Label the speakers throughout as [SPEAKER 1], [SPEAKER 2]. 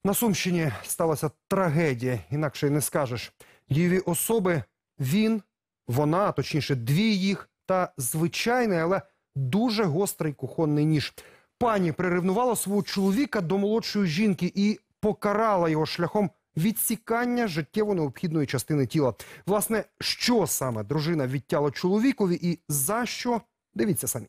[SPEAKER 1] На Сумщині сталася трагедія, інакше й не скажеш. Дієві особи – він, вона, а точніше дві їх, та звичайний, але дуже гострий кухонний ніж. Пані приревнувала свого чоловіка до молодшої жінки і покарала його шляхом відсікання життєво необхідної частини тіла. Власне, що саме дружина відтяла чоловікові і за що – дивіться самі.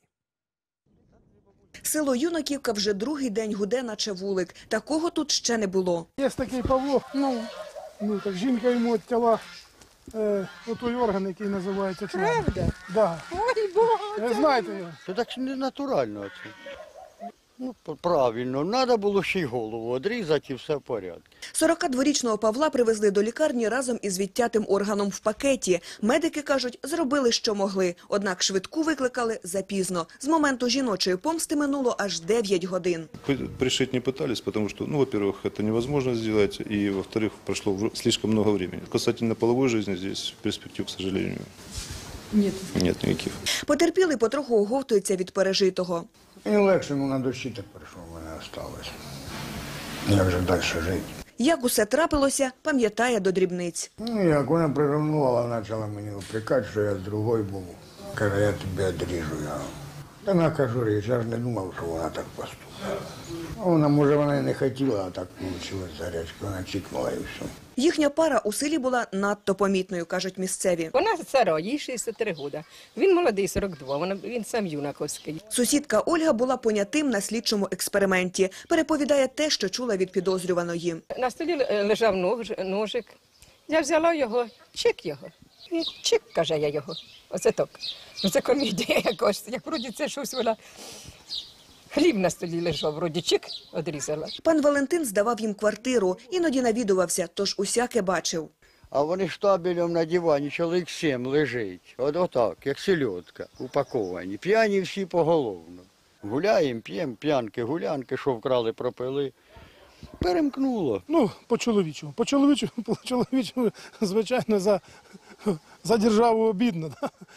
[SPEAKER 2] Село Юнаківка вже другий день гуде, наче вулик. Такого тут ще не було.
[SPEAKER 3] Є такий Павло, так жінка йому відтяла той орган, який називається член.
[SPEAKER 4] Правда?
[SPEAKER 3] Да.
[SPEAKER 4] Ой, Боже!
[SPEAKER 3] Ви знаєте його?
[SPEAKER 5] То так не натурально це. Ну, правильно, треба було ще й голову відрізати і все в порядку.
[SPEAKER 2] 42-річного Павла привезли до лікарні разом із відтятим органом в пакеті. Медики кажуть, зробили, що могли. Однак швидку викликали запізно. З моменту жіночої помсти минуло аж 9 годин.
[SPEAKER 6] Пришить не пытались, потому что, во-первых, это невозможно сделать, и, во-вторых, прошло слишком много времени. Касательно половой жизни здесь перспектив, к сожалению, нет никаких.
[SPEAKER 2] Потерпілий потроху оговтується від пережитого.
[SPEAKER 7] Мені легше, на душі так прийшло, в мене залишилось. Як же далі жити?
[SPEAKER 2] Як усе трапилося, пам'ятає до дрібниць.
[SPEAKER 7] Як вона приревнувала, почала мені упрекати, що я з другою був. Каже, я тебе відріжу. Та вона кажу, я ж не думав, що вона так поступить. Вона, може, вона і не хотіла, а так вийшло зарячки, вона чікнула і все.
[SPEAKER 2] Їхня пара у селі була надто помітною, кажуть місцеві.
[SPEAKER 4] Вона стара, їй 63 роки. Він молодий, 42, він сам юнаковський.
[SPEAKER 2] Сусідка Ольга була понятим на слідчому експерименті. Переповідає те, що чула від підозрюваної.
[SPEAKER 4] На столі лежав ножик. Я взяла його, чик його. Він чик, каже я його. Оце так. Оце комедія якась. Як вроді це щось вона... Хліб на столі лежав, вроді чик, одрізала.
[SPEAKER 2] Пан Валентин здавав їм квартиру, іноді навідувався, тож усяке бачив.
[SPEAKER 5] А вони штабелем на дивані, чоловік 7 лежить. Отак, як сельодка, упаковані. П'яні всі поголовно. Гуляємо, п'ємо, п'янки, гулянки, що вкрали, пропили. Перемкнуло.
[SPEAKER 3] По-чоловічому. По-чоловічому, звичайно, за державу обідно.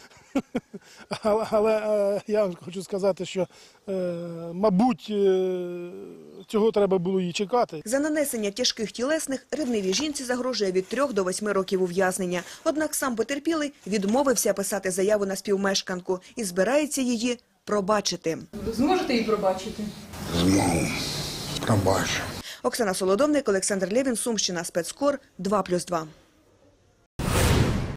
[SPEAKER 3] Але я вам хочу сказати, що, мабуть, цього треба було їй чекати.
[SPEAKER 2] За нанесення тяжких тілесних ревнивій жінці загрожує від 3 до 8 років ув'язнення. Однак сам потерпілий відмовився писати заяву на співмешканку і збирається її пробачити.
[SPEAKER 8] Зможете її пробачити?
[SPEAKER 7] Змогу. Пробачу.
[SPEAKER 2] Оксана Солодовник, Олександр Лєвін, Сумщина, Спецкор, 2+2.